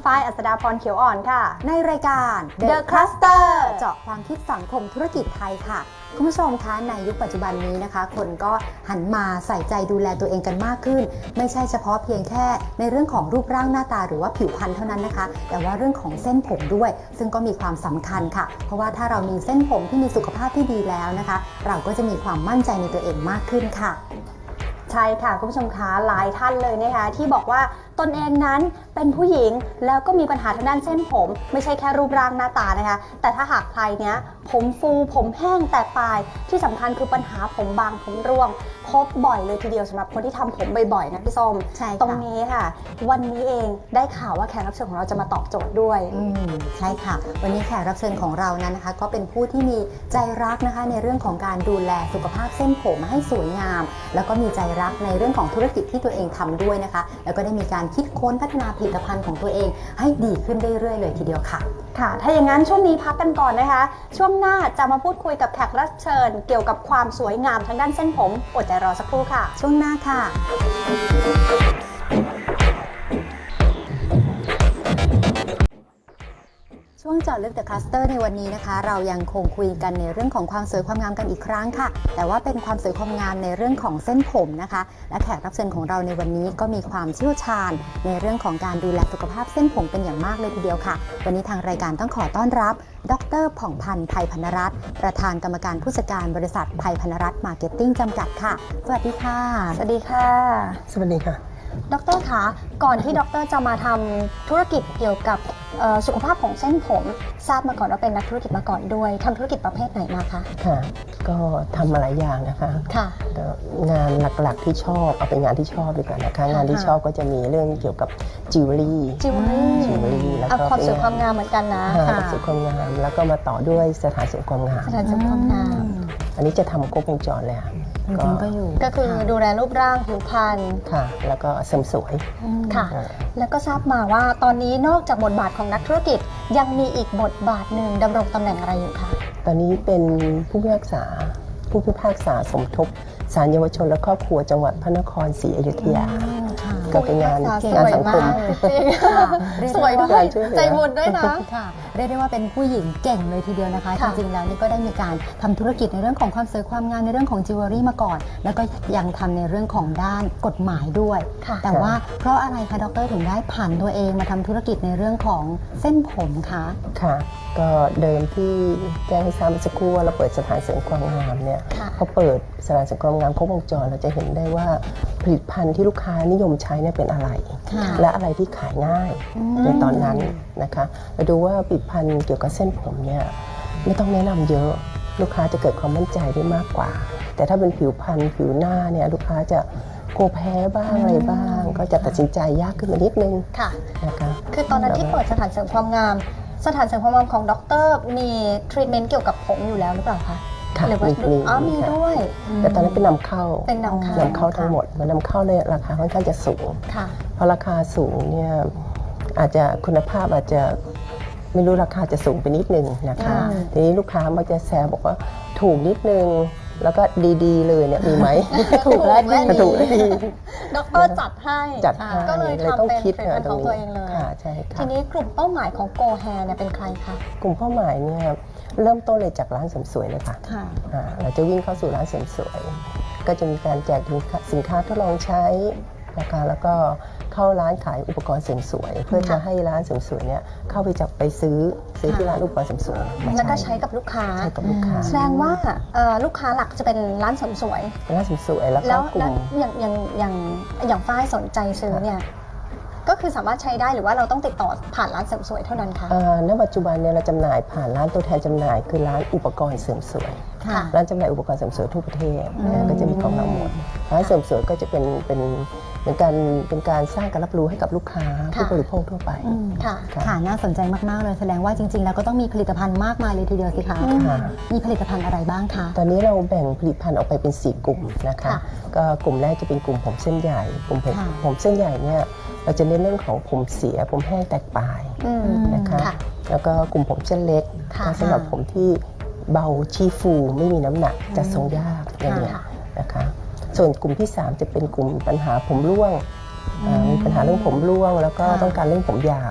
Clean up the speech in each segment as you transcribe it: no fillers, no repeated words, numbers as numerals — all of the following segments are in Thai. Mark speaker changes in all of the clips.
Speaker 1: ฝ้ายอัศดาพรเขียวอ่อนค่ะ
Speaker 2: ในรายการ
Speaker 1: The Cluster
Speaker 2: เจาะความคิดสังคมธุรกิจไทยค่ะคุณผู้ชมคะในยุคปัจจุบันนี้นะคะคนก็หันมาใส่ใจดูแลตัวเองกันมากขึ้นไม่ใช่เฉพาะเพียงแค่ในเรื่องของรูปร่างหน้าตาหรือว่าผิวพรรณเท่านั้นนะคะแต่ว่าเรื่องของเส้นผมด้วยซึ่งก็มีความสำคัญค่ะเพราะว่าถ้าเรามีเส้นผมที่มีสุขภาพที่ดีแล้วนะคะเราก็จะมีความมั่นใจในตัวเองมากขึ้นค่ะ
Speaker 1: ใช่ค่ะคุณผู้ชมคะหลายท่านเลยนะคะที่บอกว่าตนเองนั้นเป็นผู้หญิงแล้วก็มีปัญหาทางด้านเส้นผมไม่ใช่แค่รูปร่างหน้าตานะคะแต่ถ้าหากใครเนี้ยผมฟูผมแห้งแตกปลายที่สำคัญคือปัญหาผมบางผมร่วงพบบ่อยเลยทีเดียวสำหรับคนที่ทำผมบ่อยๆนะพี่ส้ม
Speaker 2: ใช่
Speaker 1: ตรงนี้ค่ะวันนี้เองได้ข่าวว่าแขกรับเชิญของเราจะมาตอบโจทย์ด้วย
Speaker 2: ใช่ค่ะวันนี้แขกรับเชิญของเรานั้นนะคะก็เป็นผู้ที่มีใจรักนะคะในเรื่องของการดูแลสุขภาพเส้นผมให้สวยงามแล้วก็มีใจรักในเรื่องของธุรกิจที่ตัวเองทำด้วยนะคะแล้วก็ได้มีการคิดค้นพัฒนาผลิตภัณฑ์ของตัวเองให้ดีขึ้นเรื่อยๆเลยทีเดียวค่ะ
Speaker 1: ค่ะถ้าอย่างนั้นช่วงนี้พักกันก่อนนะคะช่วงหน้าจะมาพูดคุยกับแขกรับเชิญเกี่ยวกับความสวยงามทางด้านเส้นผมอดใจรอสักครู่ค่ะ
Speaker 2: ช่วงหน้าค่ะช่วงเจาะลึก The Cluster ในวันนี้นะคะเรายังคงคุยกันในเรื่องของความสวยความงามกันอีกครั้งค่ะแต่ว่าเป็นความสวยความงามในเรื่องของเส้นผมนะคะและแขกรับเชิญของเราในวันนี้ก็มีความเชี่ยวชาญในเรื่องของการดูแลสุขภาพเส้นผมเป็นอย่างมากเลยทีเดียวค่ะวันนี้ทางรายการต้องขอต้อนรับดร.ผ่องพันธ์ไพพรรณรัตน์ประธานกรรมการผู้จัดการบริษัทไพพรรณรัตน์มาร์เก็ตติ้งจำกัดค่ะสวัสดีค่ะ
Speaker 1: สวัสดีค่ะ
Speaker 3: สวัสดีค่ะ
Speaker 1: ดร.คะก่อนที่ดร.จะมาทำธุรกิจเกี่ยวกับสุขภาพของเส้นผมทราบมาก่อนว่าเป็นนักธุรกิจมาก่อนด้วยทำธุรกิจประเภทไหนมาคะ
Speaker 3: ค่ะก็ทำมาหลายอย่างนะคะ
Speaker 1: ค่ะ
Speaker 3: งานหลักๆที่ชอบเอาเป็นงานที่ชอบดีกว่านะคะงานที่ชอบก็จะมีเรื่องเกี่ยวกับจิวเวลรี่แล้วก็
Speaker 1: ความสวยความงามเหมือนกันนะ
Speaker 3: ความสวยความงามแล้วก็มาต่อด้วยสถานเสริมความงาม
Speaker 1: สถานเสริมความงาม
Speaker 3: อันนี้จะทำครบวงจรเลยค่ะ
Speaker 1: ก็คือดูแลรูปร่างผิวพรรณ
Speaker 3: ค่ะแล้วก็เสริมสวย
Speaker 1: ค่ะแล้วก็ทราบมาว่าตอนนี้นอกจากบทบาทของนักธุรกิจยังมีอีกบทบาทหนึ่งดำรงตำแหน่งอะไรอยู่คะ
Speaker 3: ตอนนี้เป็นผู้พิพากษาสมทบศาลเยาวชนและครอบครัวจังหวัดพระนครศรีอยุธยาก็เป็นงานสังคม
Speaker 1: สวยด้วยใจบุญด้วยนะ
Speaker 2: ค่ะเรียกได้ว่าเป็นผู้หญิงเก่งเลยทีเดียวนะคะจริงๆแล้วนี่ก็ได้มีการทำธุรกิจในเรื่องของความสวยความงามในเรื่องของจิวเวลรี่มาก่อนแล้วก็ยังทำในเรื่องของด้านกฎหมายด้วยแต่ว่าเพราะอะไรคะดร.ถึงได้ผ่านตัวเองมาทำธุรกิจในเรื่องของเส้นผมคะ
Speaker 3: ค่ะก็เดิมที่แจ้งให้ทราบเมื่อสักครู่ว่าเราเปิดสถานเสริมความงามเนี่ยเขาเปิดสถานเสริมความงามครบวงจรเราจะเห็นได้ว่าผลิตภัณฑ์ที่ลูกค้านิยมใช้เนี่ยเป็นอะไรและอะไรที่ขายง่ายในตอนนั้นนะคะเราดูว่าผลิตภัณฑ์เกี่ยวกับเส้นผมเนี่ยไม่ต้องแนะนำเยอะลูกค้าจะเกิดความมั่นใจได้มากกว่าแต่ถ้าเป็นผิวพรรณผิวหน้าเนี่ยลูกค้าจะกลัวแพ้บ้างอะไรบ้างก็จะตัดสินใจยากขึ้นมานิดนึง
Speaker 1: นะคะคือตอนนั้นที่เปิดสถานเสริมความงามสถานเสริมความงามของดร.มีทรีทเมนต์เกี่ยวกับผมอยู่แล้วหรือเปล่าคะ
Speaker 3: หรือว่า
Speaker 1: มีด้วย
Speaker 3: แต่ตอนนั้นเป็นนำเข้าทั้งหมดมันนำเข้าเลยราคาค่อนข้างจะสูงเพราะราคาสูงเนี่ยอาจจะคุณภาพอาจจะไม่รู้ราคาจะสูงไปนิดนึงนะคะทีนี้ลูกค้ามักจะแซวบอกว่าถูกนิดนึงแล้วก็ดีๆเลยเนี่ยมีไหม
Speaker 1: ถูกและดีดร.จัดให้
Speaker 3: ก็เลยทำเป็น
Speaker 1: ผลิตภัณฑ์ของตัวเองเลยทีนี้กลุ่มเป้าหมายของโกแฮร์เนี่ยเป็นใครคะ
Speaker 3: กลุ่มเป้าหมายเนี่ยเริ่มต้นเลยจากร้านเสริมสวยเลยค่ะเราจะวิ่งเข้าสู่ร้านเสริมสวยก็จะมีการแจกสินค้าทดลองใช้นะคะแล้วก็เข้าร้านขายอุปกรณ์เสริมสวยเพื่อจะให้ร้านเสริมสวยเนี่ยเข้าไปซื้อที่ร้านอุปกรณ์เสริมสวย
Speaker 1: แล้วก็ใช้กับลูกค้าแสดงว่าลูกค้าหลักจะเป็นร้านเสริมสวย
Speaker 3: แล้วก็กลุ่ม
Speaker 1: อย่างฝ้ายสนใจซื้อเนี่ยก็คือสามารถใช้ได้หรือว่าเราต้องติดต่อผ่านร้านเสริมสวยเท่านั้นคะ
Speaker 3: ณปัจจุบันเนี่ยเราจำหน่ายผ่านร้านตัวแทนจำหน่ายคือร้านอุปกรณ์เสริมสวยร้านจำหน่ายอุปกรณ์เสริมสวยทั่วประเทศก็จะมีของเราหมดร้านเสริมสวยก็จะเป็นการสร้างการรับรู้ให้กับลูกค้าผู้บริโภคทั่วไป
Speaker 2: ค่ะน่าสนใจมากๆเลยแสดงว่าจริงๆแล้วก็ต้องมีผลิตภัณฑ์มากมายเลยทีเดียวสิคะมีผลิตภัณฑ์อะไรบ้างคะ
Speaker 3: ตอนนี้เราแบ่งผลิตภัณฑ์ออกไปเป็น4กลุ่มนะคะก็กลุ่มแรกจะเป็นกลุ่มผมเส้นใหญ่กลุ่มผมเส้นใหญ่เนี่ยเราจะเน้นเรื่องของผมเสียผมแห้งแตกปลายนะคะแล้วก็กลุ่มผมเส้นเล็กสำหรับผมที่เบาชี้ฟูไม่มีน้ำหนักจะทรงยากอย่างนี้นะคะส่วนกลุ่มที่3จะเป็นกลุ่มปัญหาผมร่วงมีปัญหาเรื่องผมร่วงแล้วก็ต้องการเรื่องผมยาว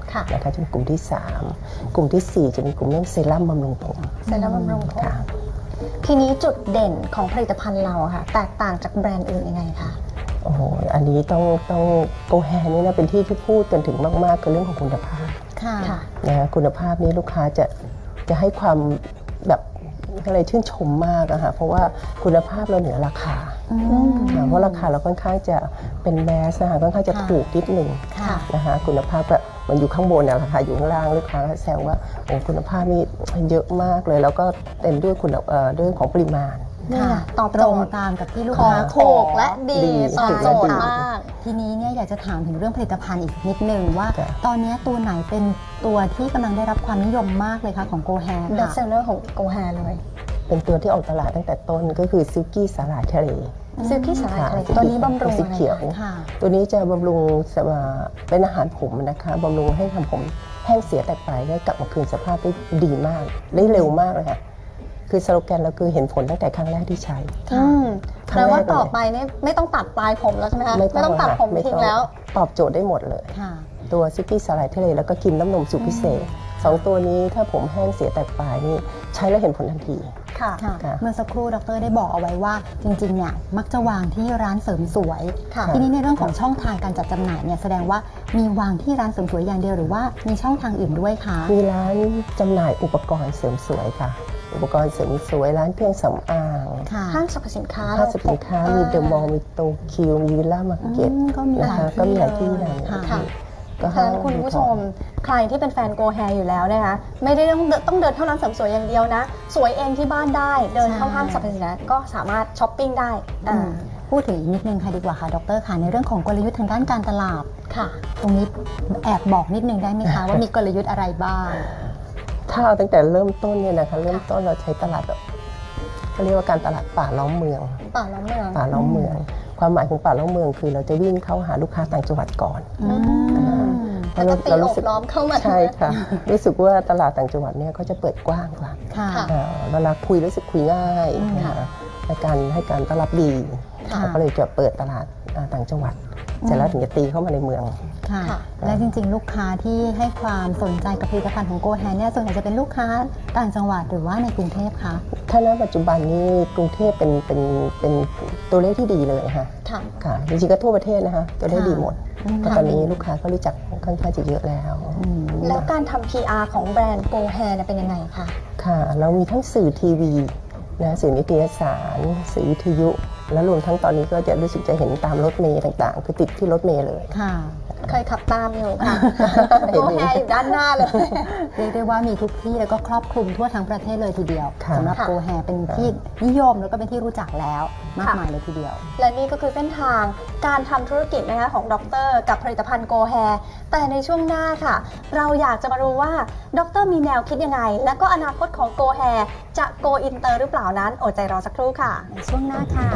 Speaker 1: ค่ะ
Speaker 3: นะคะจะเป็นกลุ่มที่ 3 กลุ่มที่ 4 จะเป็นกลุ่มเรื่องเซรั่มบำรุงผม
Speaker 1: เซรั่มบำรุงผม
Speaker 3: ค่ะ
Speaker 1: ทีนี้จุดเด่นของผลิตภัณฑ์เราอะค่ะแตกต่างจากแบรนด์อื่นยังไงคะ
Speaker 3: โอ้โหอันนี้ต้องโกแฮนี่นะเป็นที่พูดกันถึงมากๆคือเรื่องของคุณภาพ
Speaker 2: ค่ะ
Speaker 3: นะคะคุณภาพนี้ลูกค้าจะให้ความแบบอะไรชื่นชมมากอะค่ะเพราะว่าคุณภาพเราเหนือราคาเพราะราคาเราค่อนข้างจะเป็นแมสนะคะค่อนข้างจะถูกนิดหนึ่ง
Speaker 2: ค่ะ
Speaker 3: นะคะคุณภาพแบบมันอยู่ข้างบนเนี่ยราคาอยู่ข้างล่างลูกค้าก็แซวว่าโอ้คุณภาพนี่เยอะมากเลยแล้วก็เต็มด้วยด้วยของปริมาณ
Speaker 1: นี่ไงตอบ
Speaker 2: ต
Speaker 1: โจ
Speaker 2: รง
Speaker 1: ทย์
Speaker 2: ตามกับที่ลูก
Speaker 1: ของ
Speaker 2: ค้า
Speaker 1: ถูกและดี
Speaker 3: ดี
Speaker 1: ตอบโจทย์มาก
Speaker 2: ทีนี้เนี่ยอยากจะถามถึงเรื่องผลิตภัณฑ์อีกนิดนึงว่า
Speaker 3: จ้ะ
Speaker 2: ตอนนี้ตัวไหนเป็นตัวที่กำลังได้รับความนิยมมากเลยคะของโกแฮ
Speaker 1: เบส
Speaker 2: ค่ะ
Speaker 1: เซลเลอร์ของโกแฮเลย
Speaker 3: เป็นตัวที่ออกตลาดตั้งแต่ต้นก็คือซิลกี้สาหร่ายทะเล
Speaker 1: ซิลกี้สาหร่ายทะเล
Speaker 3: ค่ะ
Speaker 1: ตัวนี้บำรุง
Speaker 3: สี
Speaker 1: อะไร
Speaker 3: เขียว
Speaker 1: คะ
Speaker 2: ค่ะ
Speaker 3: ตัวนี้จะบำรุงเป็นอาหารผมนะคะบำรุงให้ทำผมแห้งเสียแตกไปได้กลับมาคืนสภาพได้ดีมากได้เร็วมากเลยค่ะคือสโลแกนเราคือเห็นผลตั้งแต่ครั้งแรกที่ใช้
Speaker 1: อืม
Speaker 3: ครั้
Speaker 1: แปล
Speaker 3: งแรก
Speaker 1: ว่าต่อไปเนี่ยไม่ต้องตัดปลายผมแล้วใช่ไหมคะไม่ต้องตัดผม
Speaker 3: ไม่
Speaker 1: ทิ้
Speaker 3: ต้
Speaker 1: งแล้ว
Speaker 3: ตอบโจทย์ได้หมดเลย
Speaker 2: ค่ะ
Speaker 3: ตัวซิลกี้สาหร่ายทะเลแล้วก็ครีมน้ำนมสูตรพิเศษสองตัวนี้ถ้าผมแห้งเสียแตกปลายนี่ใช้แล้วเห็นผลทันที
Speaker 1: ค่ะ
Speaker 2: ค่ะ
Speaker 3: ค่ะ
Speaker 2: เมื่อสักครู่ดรได้บอกเอาไว้ว่าจริงๆเนี่ยมักจะวางที่ร้านเสริมสวย
Speaker 1: ค่ะ
Speaker 2: ทีนี้ในเรื่องของช่องทางการจัดจำหน่ายเนี่ยแสดงว่ามีวางที่ร้านเสริมสวยอย่างเดียวหรือว่ามีช่องทางอื่นด้วยคะ
Speaker 3: มีร้านจำหน่ายอุปกรณ์เสริมสวยค่ะ อุปกรณ์เสริมสวยร้านเครื่องสำอาง
Speaker 2: ค่ะ
Speaker 1: ห้างสรรพสินค้า
Speaker 3: ห้างสรรพสินค้ามีเดอะมอลล์มีโตเกียวมีวิลล่ามาร์เก็ต
Speaker 2: ก็มีห
Speaker 3: นะ
Speaker 2: ลาย
Speaker 3: คะ
Speaker 2: ที่
Speaker 3: ก็มีหลายที่
Speaker 2: เลย
Speaker 3: นะ
Speaker 2: ค่ะ
Speaker 1: ค่ะ
Speaker 3: ก็
Speaker 1: ฉะนั้นคุณผู้ชมใครที่เป็นแฟนโกแฮอยู่แล้วนะคะไม่ได้ต้องเดินเข้าร้านเสริมสวยอย่างเดียวนะ สวยเองที่บ้านได้เดินเข้าห้างสรรพสินค้าก็สามารถช้อปปิ้งได้
Speaker 2: พูดถึงอีกนิดนึงค่ะดีกว่าค่ะดรค่ะในเรื่องของกลยุทธ์ทางด้านการตลาด
Speaker 1: ค่ะ
Speaker 2: ตรงนี้แอบบอกนิดนึงได้ไหมคะ ว่ามีกลยุทธ์อะไรบ้าง
Speaker 3: ถ้าเอาตั้งแต่เริ่มต้นเนี่ยนะคะเริ่มต้นเราใช้ตลาดแบบเขาเรียกว่าการตลาดป่าล้อมเมือง
Speaker 1: ป่าล้อมเมือง
Speaker 3: ป่าล้อมเมือง ความหมายของป่าล้อมเมืองคือเราจะวิ่งเข้าหาลูกค้าต่างจังหวัดก่อน
Speaker 1: แล้วก็ตีโอบล้อมเข้ามา
Speaker 3: ใช่ค่ะ รู้สึกว่าตลาดต่างจังหวัดเนี่ยเขาจะเปิดกว้างกว่า
Speaker 2: ค่ะ
Speaker 1: ค่ะ
Speaker 3: เวลาคุยรู้สึกคุยง่ายนะคะในการให้การต้อนรับดี
Speaker 2: ค่ะ
Speaker 3: เราก็เลยจะเปิดตลาดต่างจังหวัดเสร็จแล้วถึงจะตีเข้ามาในเมือง
Speaker 2: ค่ะ
Speaker 1: ค่ะ
Speaker 2: และจริงๆ ลูกค้าที่ให้ความสนใจกับผลิตภัณฑ์ของโกแฮนเนี่ยส่วนใหญ่จะเป็นลูกค้าต่างจังหวัดหรือว่าในกรุงเทพคะ
Speaker 3: ถ้าณปัจจุบันนี้กรุงเทพเป็นตัวเลขที่ดีเลยค่ะ
Speaker 1: ค่ะ
Speaker 3: ค่ะจริงๆก็ทั่วประเทศนะคะตัวเลขดีหมด
Speaker 2: อืม
Speaker 3: เพราะตอนนี้ลูกค้าก็รู้จักค่อนข้างจะเยอะแล้ว
Speaker 1: แล้วการทำ PR ของแบรนด์โกแฮเนี่ยเป็นยังไงคะ
Speaker 3: ค่ะ เรามีทั้งสื่อทีวีนะสื่อนิตยสารสื่อวิทยุ แล้วรวมทั้งตอนนี้ก็จะรู้สึกจะเห็นตามรถเมล์ต่างๆ คือติดที่รถเมล์เลย
Speaker 2: ค่ะ
Speaker 1: เคยขับตามอยู่ค่ะโกแฮอยู่ด้านหน้าเลย
Speaker 2: เรียกได้ว่ามีทุกที่แล้วก็ครอบคลุมทั่วทั้งประเทศเลยทีเดียว
Speaker 3: ค่ะ
Speaker 2: สำหรับ
Speaker 1: ค่ะ
Speaker 2: โกแฮเป็นที่นิยมแล้วก็เป็นที่รู้จักแล้วมาก
Speaker 1: ค่ะ
Speaker 2: มายเลยทีเดียว
Speaker 1: และนี่ก็คือเส้นทางการทำธุรกิจนะคะของดรกับผลิตภัณฑ์โกแฮแต่ในช่วงหน้าค่ะ เราอยากจะมารู้ว่าดรมีแนวคิดยังไง และก็อนาคตของโกแฮจะโกอินเตอร์หรือเปล่านั้นอดใจรอสักครู่ค่ะ
Speaker 2: ในช่วงหน้าค่ะ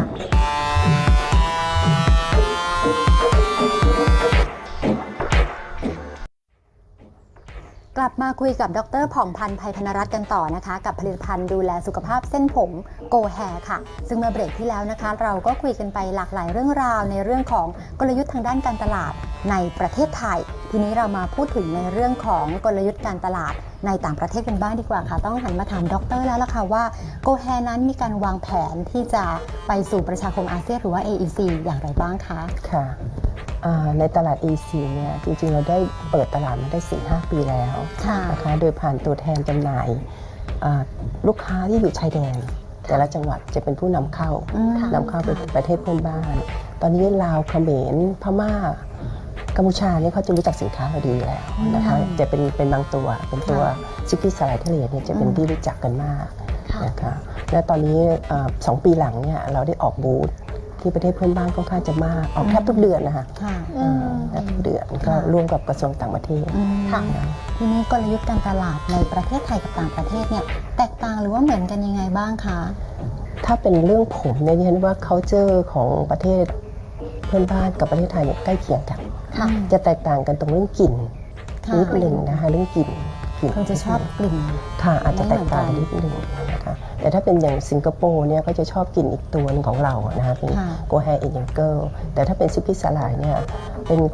Speaker 2: กลับมาคุยกับดรผ่องพันธ์ไพพนรัตน์กันต่อนะคะ กับผลิตภัณฑ์ดูแลสุขภาพเส้นผมโกแฮค่ะ ซึ่งเมื่อเบรกที่แล้วนะคะ เราก็คุยกันไปหลากหลายเรื่องราวในเรื่องของกลยุทธ์ทางด้านการตลาดในประเทศไทย ทีนี้เรามาพูดถึงในเรื่องของกลยุทธ์การตลาดในต่างประเทศกันบ้างดีกว่าค่ะ ต้องหันมาถามดรแล้วล่ะค่ะว่าโกแฮนั้นมีการวางแผนที่จะไปสู่ประชาคมอาเซียนหรือว่า AEC อย่างไรบ้างคะ
Speaker 3: ค่ะในตลาด EC เนี่ยจริงๆเราได้เปิดตลาดมาได้ 4-5 ปีแล้ว
Speaker 2: ค่ะ
Speaker 3: นะคะโดยผ่านตัวแทนจำหน่ายลูกค้าที่อยู่ชายแดน แต่ละจังหวัดจะเป็นผู้นำเข้า
Speaker 2: ค่ะ
Speaker 3: นำเข้าไปประเทศเพื่อนบ้าน ตอนนี้ลาวเขมรพม่ากัมพูชาเนี่ยเขาจะรู้จักสินค้าเราดีอยู่แล้วนะคะจะเป็นบางตัวเป็นตัวซิกกี้สไลด์ทะเลเนี่ยจะเป็นที่รู้จักกันมาก
Speaker 1: ค่ะ
Speaker 3: นะคะและตอนนี้2 ปีหลังเนี่ยเราได้ออกบูธที่ประเทศเพื่อนบ้านค่อนข้างจะมากออกแทบทุกเดือนนะคะ
Speaker 2: ค่ะ
Speaker 3: แทบทุกเดือนก็ร่วมกับกระทรวงต่างประเทศ
Speaker 1: ค่ะ
Speaker 2: ทีนี้กลยุทธ์การตลาดในประเทศไทยกับต่างประเทศเนี่ยแตกต่างหรือว่าเหมือนกันยังไงบ้างคะ
Speaker 3: ถ้าเป็นเรื่องผมเนี่ยดิฉันว่า culture ของประเทศเพื่อนบ้านกับประเทศไทยเนี่ยใกล้เคียงกัน
Speaker 1: ค่ะ
Speaker 3: จะแตกต่างกันตรงเรื่องกลิ่น
Speaker 2: ค่ะ
Speaker 3: นิดหนึ่งนะคะเรื่องกลิ่น
Speaker 2: คือจะชอบกลิ่น
Speaker 3: ค่ะอาจจะแตกต่าง
Speaker 2: ไม่
Speaker 3: กัน
Speaker 2: เหมื
Speaker 3: นิ
Speaker 2: อน
Speaker 3: ด
Speaker 2: กัน
Speaker 3: หนึ่งนะคะแต่ถ้าเป็นอย่างสิงคโปร์เนี่ยก็จะชอบกลิ่นอีกตัวหนึงของเรานะคะเป็น
Speaker 2: ค่ะ
Speaker 3: โกแฮเอเจนเกิลแต่ถ้าเป็นซิปปี้สลายเนี่ยเป็น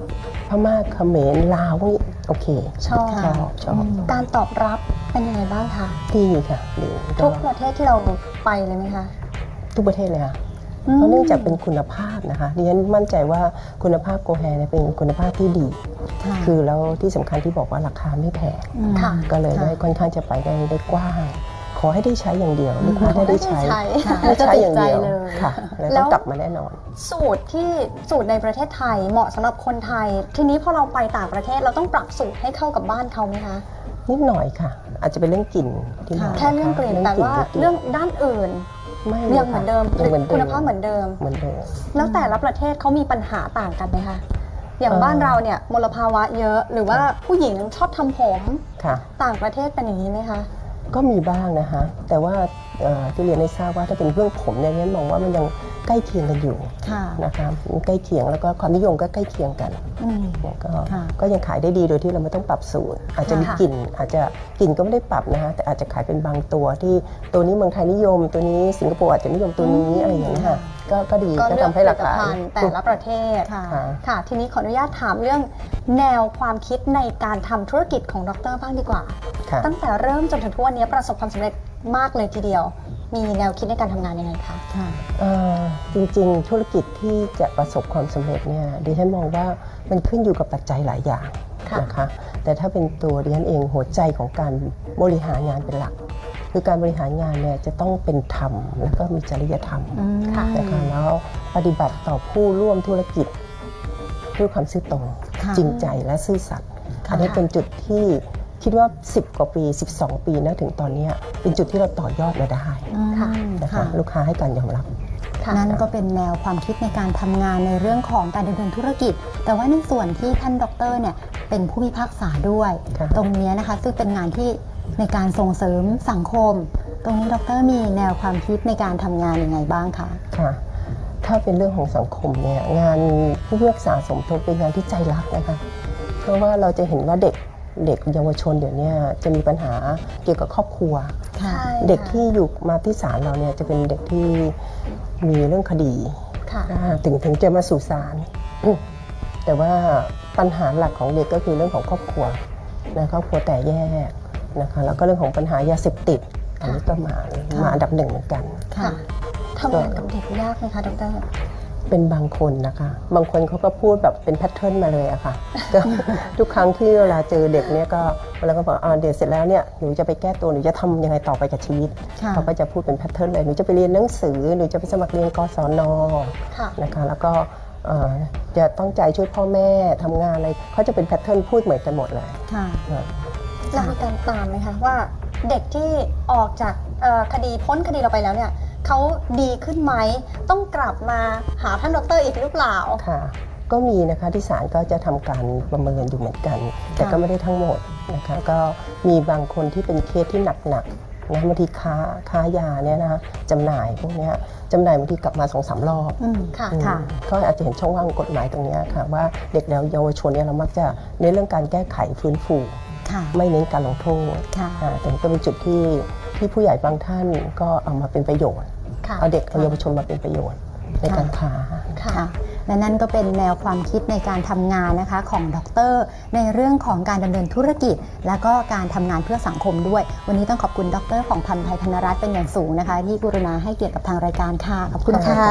Speaker 3: พม่าเขมรลาวพวกนี้โอเค
Speaker 1: ชอบ
Speaker 3: ชอบ
Speaker 1: การตอบรับเป็นยังไงบ้างคะ
Speaker 3: ดีค่ะดี
Speaker 1: ทุกประเทศที่เราไปเลยไหมคะ
Speaker 3: ทุกประเทศเลยค่ะเพราะเนื่องจากเป็นคุณภาพนะคะดิฉันมั่นใจว่าคุณภาพโกแฮเนี่ยเป็นคุณภาพที่ดี คือแล้วที่สำคัญที่บอกว่าราคาไม่แพง
Speaker 1: ค่ะ
Speaker 3: ก็เลยได้ค่อนข้างจะไปได้กว้าง ขอให้ได้ใช้อย่างเดียวลูกค้าได้ใช้
Speaker 1: แล้วจะ
Speaker 3: ใช้
Speaker 1: ติ
Speaker 3: อ
Speaker 1: ด
Speaker 3: ย่าง
Speaker 1: ใจ
Speaker 3: เดียว
Speaker 1: เลย
Speaker 3: ค่ะแล้ว
Speaker 1: แล้
Speaker 3: ต้อ
Speaker 1: ว
Speaker 3: งกลับมาแน่นอน
Speaker 1: สูตรในประเทศไทยเหมาะสำหรับคนไทย ทีนี้พอเราไปต่างประเทศเราต้องปรับสูตรให้เข้ากับบ้านเขาไหมคะ
Speaker 3: นิดหน่อยค่ะ อาจจะเป็นเรื่องกลิ่นที่หน่อย
Speaker 1: แค่เรื่องกลิ่นแต่ว่าเรื่องด้านอื่น
Speaker 3: ไม่
Speaker 1: ยังเหมือนเดิม
Speaker 3: ยังเหมือนเดิม
Speaker 1: คุณภาพเหมือนเดิม
Speaker 3: เหมือนเดิม
Speaker 1: แล้วแต่ละประเทศเขามีปัญหาต่างกันไหมคะ อย่างบ้านเราเนี่ยมลภาวะเยอะ หรือว่าผู้หญิงชอบทำผม
Speaker 3: ค่ะ
Speaker 1: ต่างประเทศเป็นอย่างนี้ไหมคะ
Speaker 3: ก็มีบ้างนะคะแต่ว่าที่เรียนให้ทราบว่าถ้าเป็นเรื่องผมเนี่ยมองว่ามันยังใกล้เคียงกันอยู่
Speaker 2: ค่ะ
Speaker 3: นะคะใกล้เคียงแล้วก็ความนิยมก็ใกล้เคียงกันก็ยังขายได้ดีโดยที่เราไม่ต้องปรับสูตร อาจจะมีกลิ่นอาจจะกลิ่นก็ไม่ได้ปรับนะคะแต่อาจจะขายเป็นบางตัวที่ตัวนี้เมืองไทยนิยมตัวนี้สิงคโปร์อาจจะนิยมตัวนี้อะไรอย่างนี้ยค่ะก็ดีก็ทำให้ราคา
Speaker 1: แต่ละประเทศ ค่ะ ทีนี้ขออนุญาตถามเรื่องแนวความคิดในการทำธุรกิจของดร.บ้างดีกว่า ตั้งแต่เริ่มจนถึงทุกวันนี้ประสบความสำเร็จมากเลยทีเดียว มีแนวคิดในการทำงานยังไงคะ
Speaker 3: จริงๆธุรกิจที่จะประสบความสำเร็จเนี่ยดิฉันมองว่ามันขึ้นอยู่กับปัจจัยหลายอย่างนะคะแต่ถ้าเป็นตัวดิฉันเองหัวใจของการบริหารงานเป็นหลัก คือการบริหารงานเนี่ยจะต้องเป็นธรรมแล้วก็มีจริยธรรมนะคะแล้วปฏิบัติต่อผู้ร่วมธุรกิจด้วยความซื่อตรงจริงใจและซื่อสัตย์อันนี้เป็นจุดที่คิดว่า10กว่าปี12ปีนะถึงตอนนี้เป็นจุดที่เราต่อยอดมาได้นะคะลูกค้าให้การยอมรับ
Speaker 2: นั่นก็เป็นแนวความคิดในการทำงานในเรื่องของการดำเนินธุรกิจแต่ว่าในส่วนที่ท่านดร.เนี่ยเป็นผู้พิพากษาด้วยตรงนี้นะคะซึ่งเป็นงานที่ในการส่งเสริมสังคมตรงนี้ดร.มีแนวความคิดในการทำงานยังไงบ้างคะ
Speaker 3: ค่ะถ้าเป็นเรื่องของสังคมเนี่ยงานผู้พิพากษาสมทบเป็นงานที่ใจรักนะคะเพราะว่าเราจะเห็นว่าเด็กเยาวชนเดี๋ยวนี้จะมีปัญหาเกี่ยวกับครอบครัวเด็กที่อยู่มาที่ศาลเราเนี่ยจะเป็นเด็กที่มีเรื่องคดีถึงจะมาสู่ศาลแต่ว่าปัญหาหลักของเด็กก็คือเรื่องของครอบครัวนะครอบครัวแต่แยกนะคะแล้วก็เรื่องของปัญหายาเสพติดอันนี้ก็มาอันดับหนึ่งเหมือนกัน
Speaker 1: ทำงานกับเด็กยากไหมคะดร.
Speaker 3: เป็นบางคนนะคะบางคนเขาก็พูดแบบเป็นแพทเทิร์นมาเลยอะค่ะก็ทุกครั้งที่เวลาเจอเด็กเนี่ยก็เวลาก็บอกเดี๋ยวเสร็จแล้วเนี่ยหนูจะไปแก้ตัวหนูจะทำยังไงต่อไปกับชีวิตเขาก็จะพูดเป็นแพทเทิร์นเลยหนูจะไปเรียนหนังสือหนูจะไปสมัครเรียนกศน.นะคะแล้วก็จะต้องใจช่วยพ่อแม่ทำงานอะไรเขาจะเป็นแพทเทิร์นพูดเหมือนกันหมดเลย
Speaker 1: เรามีการตามไหมคะว่าเด็กที่ออกจากคดีพ้นคดีเราไปแล้วเนี่ยเขาดีขึ้นไหมต้องกลับมาหาท่านดร.อีกหรือเปล่า
Speaker 3: ค่ะก็มีนะคะที่ศาลก็จะทำการประเมินอยู่เหมือนกันแต่ก็ไม่ได้ทั้งหมดนะคะก็มีบางคนที่เป็นเคสที่หนักนะบางทีค้ายาเนี่ยนะจำหน่ายพวกนี้จำหน่ายบางทีกลับมา 2-3 รอบก็อาจจะเห็นช่องว่างกฎหมายตรงนี้ค่ะว่าเด็กแล้วเยาวชนเนี่ยเรามักจะเน้นเรื่องการแก้ไขฟื้นฟูไม่เน้นการลงโทษแต่ก็เป็นจุดที่ผู้ใหญ่บางท่านก็เอามาเป็นประโยชน์เอาเด็กเอาเยาวชนมาเป็นประโยชน์ในการค้า
Speaker 2: และนั่นก็เป็นแนวความคิดในการทำงานนะคะของดร.ในเรื่องของการดำเนินธุรกิจและก็การทำงานเพื่อสังคมด้วยวันนี้ต้องขอบคุณดร.ของพันธ์ไทยธนรัตน์เป็นอย่างสูงนะคะที่กรุณาให้เกียรติกับทางรายการค่ะขอบคุณค่ะ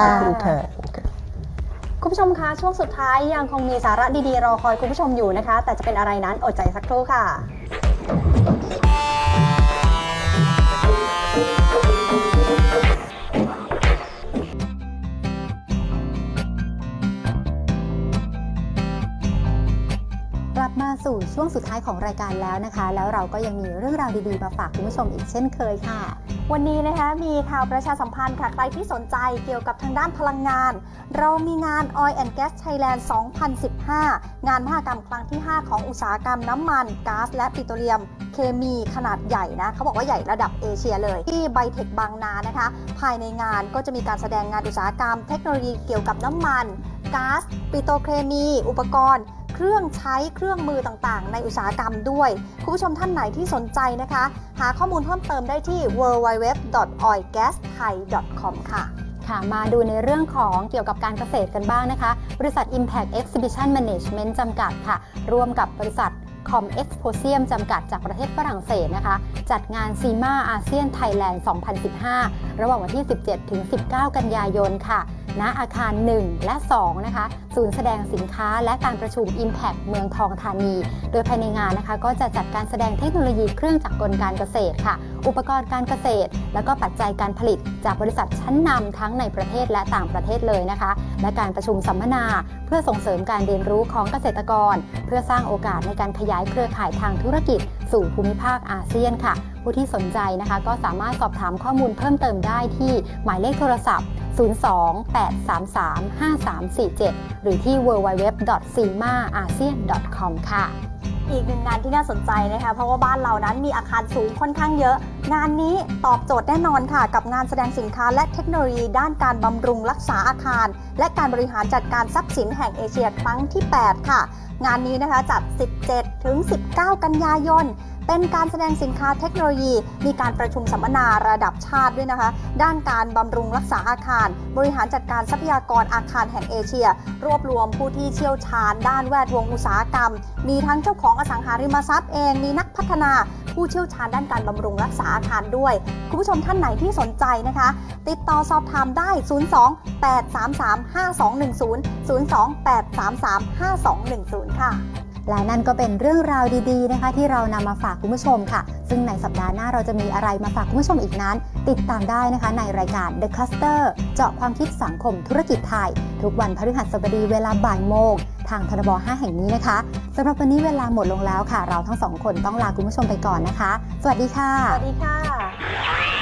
Speaker 1: คุณผู้ชมคะช่วงสุดท้ายยังคงมีสาระดีๆรอคอยคุณผู้ชมอยู่นะคะแต่จะเป็นอะไรนั้นอดใจสักครู่ค่ะ
Speaker 2: กลับมาสู่ช่วงสุดท้ายของรายการแล้วนะคะแล้วเราก็ยังมีเรื่องราวดีๆมาฝากคุณผู้ชมอีกเช่นเคยค่ะ
Speaker 1: วันนี้นะคะมีข่าวประชาสัมพันธ์ค่ะใครที่สนใจเกี่ยวกับทางด้านพลังงานเรามีงาน Oil and Gas Thailand 2015 งานมหกรรมครั้งที่ 5 ของอุตสาหกรรมน้ำมันก๊าซและปิโตรเลียมเคมีขนาดใหญ่นะเขาบอกว่าใหญ่ระดับเอเชียเลยที่ไบเทคบางนานะคะภายในงานก็จะมีการแสดงงานอุตสาหกรรมเทคโนโลยีเกี่ยวกับน้ำมันก๊าซปิโตรเคมีอุปกรณ์เครื่องใช้เครื่องมือต่างๆในอุตสาหกรรมด้วยคุณผู้ชมท่านไหนที่สนใจนะคะหาข้อมูลเพิ่มเติมได้ที่ www.oilgasthai.com ค่ะ
Speaker 2: ค่ะมาดูในเรื่องของเกี่ยวกับการเกษตรกันบ้างนะคะบริษัท Impact Exhibition Management จำกัดค่ะร่วมกับบริษัทCom Exposium จำกัดจากประเทศฝรั่งเศสนะคะจัดงาน CIMA ASEAN Thailand 2015 ระหว่างวันที่ 17-19 กันยายนค่ะณอาคาร 1 และ 2 นะคะศูนย์แสดงสินค้าและการประชุม Impact เมืองทองธานี โดยภายในงานนะคะก็จะจัดการแสดงเทคโนโลยีเครื่องจักรกลการเกษตรค่ะอุปกรณ์การเกษตรแล้วก็ปัจจัยการผลิตจากบริษัทชั้นนำทั้งในประเทศและต่างประเทศเลยนะคะและการประชุมสัมมนาเพื่อส่งเสริมการเรียนรู้ของเกษตรกรเพื่อสร้างโอกาสในการขยายเครือข่ายทางธุรกิจสู่ภูมิภาคอาเซียนค่ะผู้ที่สนใจนะคะก็สามารถสอบถามข้อมูลเพิ่มเติมได้ที่หมายเลขโทรศัพท์ 02-833-5347 หรือที่ www.cimaasean.com ค่ะ
Speaker 1: อีกหนึ่งงานที่น่าสนใจนะคะเพราะว่าบ้านเรานั้นมีอาคารสูงค่อนข้างเยอะงานนี้ตอบโจทย์แน่นอนค่ะกับงานแสดงสินค้าและเทคโนโลยีด้านการบำรุงรักษาอาคารและการบริหารจัดการทรัพย์สินแห่งเอเชียครั้งที่ 8 ค่ะงานนี้นะคะจัด 17-19 กันยายนเป็นการแสดงสินค้าเทคโนโลยีมีการประชุมสัมมนาระดับชาติด้วยนะคะด้านการบำรุงรักษาอาคารบริหารจัดการทรัพยากรอาคารแห่งเอเชียรวบรวมผู้ที่เชี่ยวชาญด้านแวดวงอุตสาหกรรมมีทั้งเจ้าของอสังหาริมทรัพย์เองมีนักพัฒนาผู้เชี่ยวชาญด้านการบำรุงรักษาอาคารด้วยคุณผู้ชมท่านไหนที่สนใจนะคะติดต่อสอบถามได้ 02-833-5210 ค่ะ
Speaker 2: และนั่นก็เป็นเรื่องราวดีๆนะคะที่เรานำมาฝากคุณผู้ชมค่ะซึ่งในสัปดาห์หน้าเราจะมีอะไรมาฝากคุณผู้ชมอีกนั้นติดตามได้นะคะในรายการ The Cluster เจาะความคิดสังคมธุรกิจไทยทุกวันพฤหัสบดีเวลาบ่ายโมงทางทบ5 แห่งนี้นะคะสำหรับวันนี้เวลาหมดลงแล้วค่ะเราทั้งสองคนต้องลาคุณผู้ชมไปก่อนนะคะสวัสดีค่ะ
Speaker 1: สวัสดีค่ะ